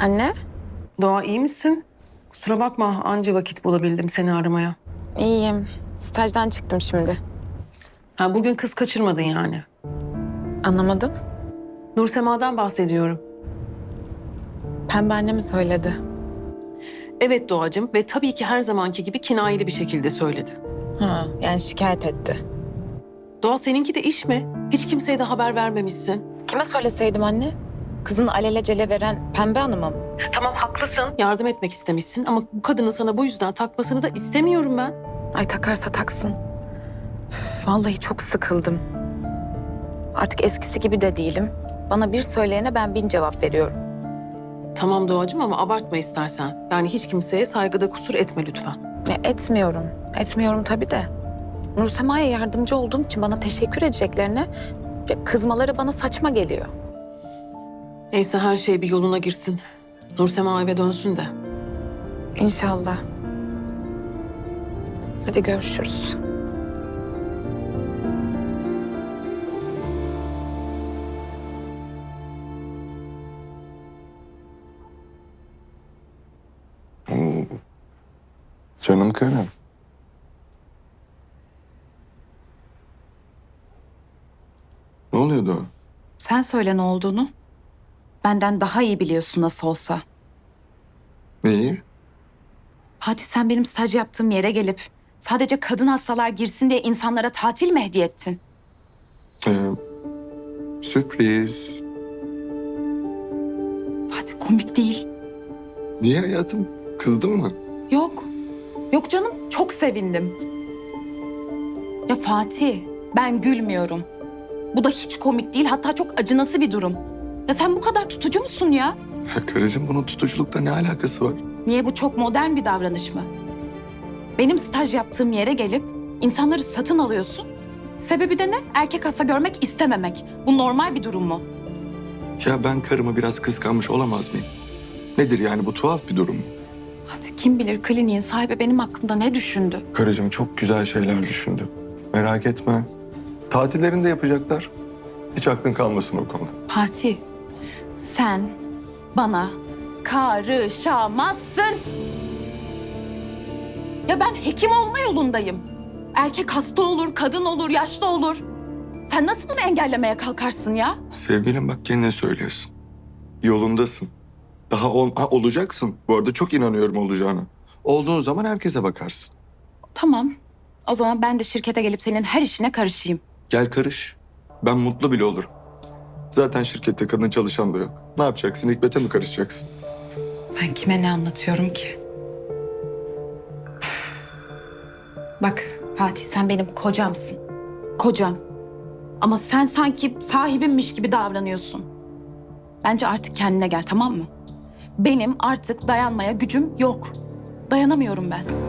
Anne, Doğa iyi misin? Kusura bakma anca vakit bulabildim seni aramaya. iyiyim. Stajdan çıktım şimdi. Ha, bugün kız kaçırmadın yani. Anlamadım. Nursema'dan bahsediyorum. Pembe anne mi söyledi? Evet Doğacığım ve tabii ki her zamanki gibi kinayeli bir şekilde söyledi. Ha, yani şikayet etti. Doğa seninki de iş mi? Hiç kimseye de haber vermemişsin. Kime söyleseydim anne? Kızın alelacele veren Pembe Hanım'a mı? Tamam haklısın. Yardım etmek istemişsin ama bu kadının sana bu yüzden takmasını da istemiyorum ben. Ay takarsa taksın. Üf, vallahi çok sıkıldım. Artık eskisi gibi de değilim. Bana bir söyleyene ben 1000 cevap veriyorum. Tamam Doğacığım ama abartma istersen. Yani hiç kimseye saygıda kusur etme lütfen. Etmiyorum. Etmiyorum tabii de. Nursema'ya yardımcı olduğum için bana teşekkür edeceklerine kızmaları bana saçma geliyor. Neyse her şey bir yoluna girsin. Nursema eve dönsün de. İnşallah. Hadi görüşürüz. Oo, canım karım. Ne oluyordu? Sen söyle ne olduğunu. Benden daha iyi biliyorsun nasıl olsa. Neyi? Hadi sen benim staj yaptığım yere gelip sadece kadın hastalar girsin diye insanlara tatil mi hediye ettin? Sürpriz. Fatih komik değil. Niye hayatım? Kızdın mı? Yok. Yok canım çok sevindim. Ya Fatih ben gülmüyorum. Bu da hiç komik değil hatta çok acınası bir durum. Ya sen bu kadar tutucu musun ya? Ya karıcığım bunun tutuculukla ne alakası var? Niye bu çok modern bir davranış mı? Benim staj yaptığım yere gelip insanları satın alıyorsun. Sebebi de ne? Erkek hasta görmek istememek. Bu normal bir durum mu? Ya ben karımı biraz kıskanmış olamaz mıyım? Nedir yani bu tuhaf bir durum mu? Hadi kim bilir kliniğin sahibi benim hakkımda ne düşündü? Karıcığım çok güzel şeyler düşündü. Merak etme. Tatillerini de yapacaklar. Hiç aklın kalmasın o konuda. Fatih, sen bana karışamazsın. Ya ben hekim olma yolundayım. Erkek hasta olur, kadın olur, yaşlı olur. Sen nasıl bunu engellemeye kalkarsın ya? Sevgilim bak kendine söylüyorsun. Yolundasın. Daha olacaksın. Bu arada çok inanıyorum olacağına. Olduğun zaman herkese bakarsın. Tamam. O zaman ben de şirkete gelip senin her işine karışayım. Gel karış. Ben mutlu bile olurum. Zaten şirkette kadın çalışan da yok. Ne yapacaksın? Hikmet'e mi karışacaksın? Ben kime ne anlatıyorum ki? Bak Fatih sen benim kocamsın. Kocam. Ama sen sanki sahibimmiş gibi davranıyorsun. Bence artık kendine gel tamam mı? Benim artık dayanmaya gücüm yok. Dayanamıyorum ben.